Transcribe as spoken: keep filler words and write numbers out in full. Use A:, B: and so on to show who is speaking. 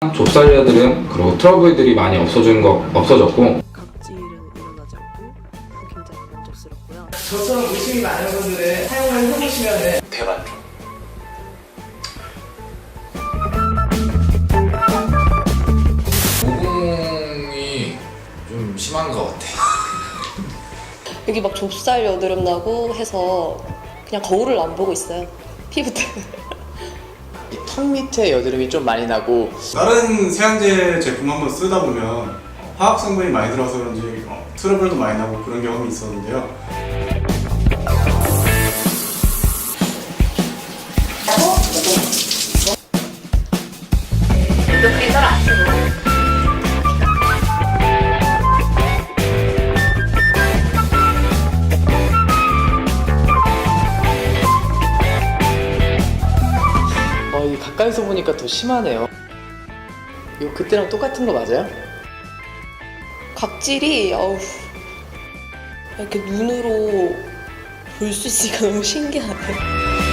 A: 좁쌀 여드름 그리고 트러블들이 많이 없어진 거 없어졌고
B: 각질은 일어나지 않고 굉장히 만족스럽고요.
C: 저처럼 의심이 많은 분들은 사용을 해보시면
D: 대만족. 모공이 좀 심한 것 같아.
E: 여기 막 좁쌀 여드름 나고 해서 그냥 거울을 안 보고 있어요. 피부 때문에.
C: 이 턱 밑에 여드름이 좀 많이 나고
F: 다른 세안제 제품 한번 쓰다 보면 화학 성분이 많이 들어서 그런지 어, 트러블도 많이 나고 그런 경험이 있었는데요.
C: 어, 이 가까이서 보니까 더 심하네요. 이거 그때랑 똑같은 거 맞아요?
E: 각질이 어우 이렇게 눈으로 볼 수 있으니까 너무 신기하네요.